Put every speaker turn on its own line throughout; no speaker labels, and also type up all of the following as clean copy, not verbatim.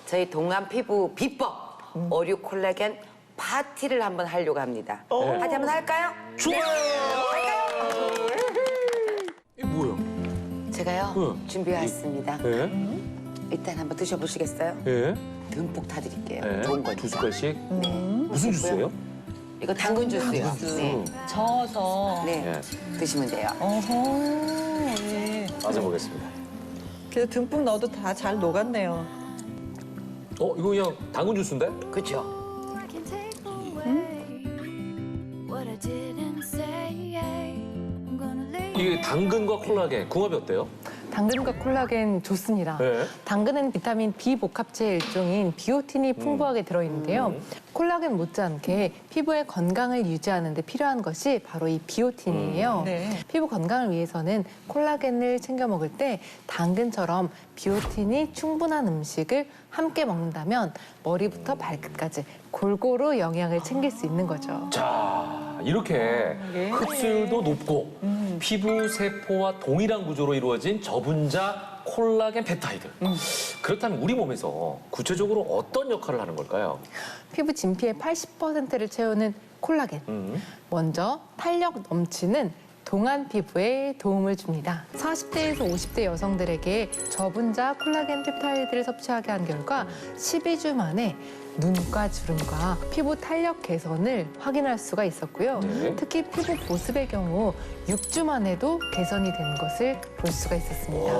저희 동안 피부 비법 어류 콜라겐 파티를 한번 하려고 합니다. 파티 한번 할까요?
좋아요.
할까요?
이게 뭐예요?
제가요 준비해왔습니다.
예?
일단 한번 드셔보시겠어요?
예?
듬뿍 타드릴게요.
예?
좋은 거니까.
2숟갈씩?
네.
무슨 주스예요?
이거 당근 주스요. 네.
저어서.
네.
예.
드시면 돼요.
어허. 예.
맞아보겠습니다.
그래서 듬뿍 넣어도 다 잘 녹았네요.
이거 그냥 당근 주스인데?
그렇죠?
I can take away what I didn't say. I'm gonna lay
이게 당근과 콜라겐, 궁합이 어때요?
당근과 콜라겐 좋습니다.
네.
당근은 비타민 B 복합체의 일종인 비오틴이 풍부하게 들어있는데요. 콜라겐 못지않게 피부의 건강을 유지하는 데 필요한 것이 바로 이 비오틴이에요.
네.
피부 건강을 위해서는 콜라겐을 챙겨 먹을 때 당근처럼 비오틴이 충분한 음식을 함께 먹는다면 머리부터 발끝까지 골고루 영양을 챙길 수 있는 거죠.
자, 이렇게 흡수율도 높고 피부 세포와 동일한 구조로 이루어진 저분자 콜라겐 펩타이드. 그렇다면 우리 몸에서 구체적으로 어떤 역할을 하는 걸까요?
피부 진피의 80%를 채우는 콜라겐. 먼저 탄력 넘치는 동안 피부에 도움을 줍니다. 40대에서 50대 여성들에게 저분자 콜라겐 펩타이드를 섭취하게 한 결과 12주 만에 눈가 주름과 피부 탄력 개선을 확인할 수가 있었고요.
네.
특히 피부 보습의 경우 6주 만에도 개선이 된 것을 볼 수가 있었습니다.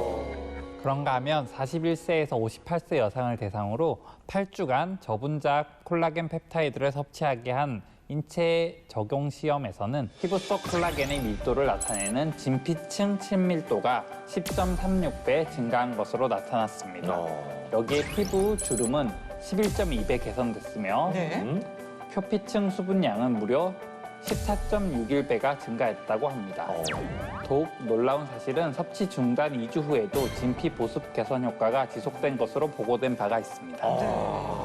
그런가 하면 41세에서 58세 여성을 대상으로 8주간 저분자 콜라겐 펩타이드를 섭취하게 한 인체 적용 시험에서는 피부 속 콜라겐의 밀도를 나타내는 진피층 친밀도가 10.36배 증가한 것으로 나타났습니다. 여기에 피부 주름은 11.2배 개선됐으며
네.
표피층 수분량은 무려 14.61배가 증가했다고 합니다. 더욱 놀라운 사실은 섭취 중단 2주 후에도 진피 보습 개선 효과가 지속된 것으로 보고된 바가 있습니다.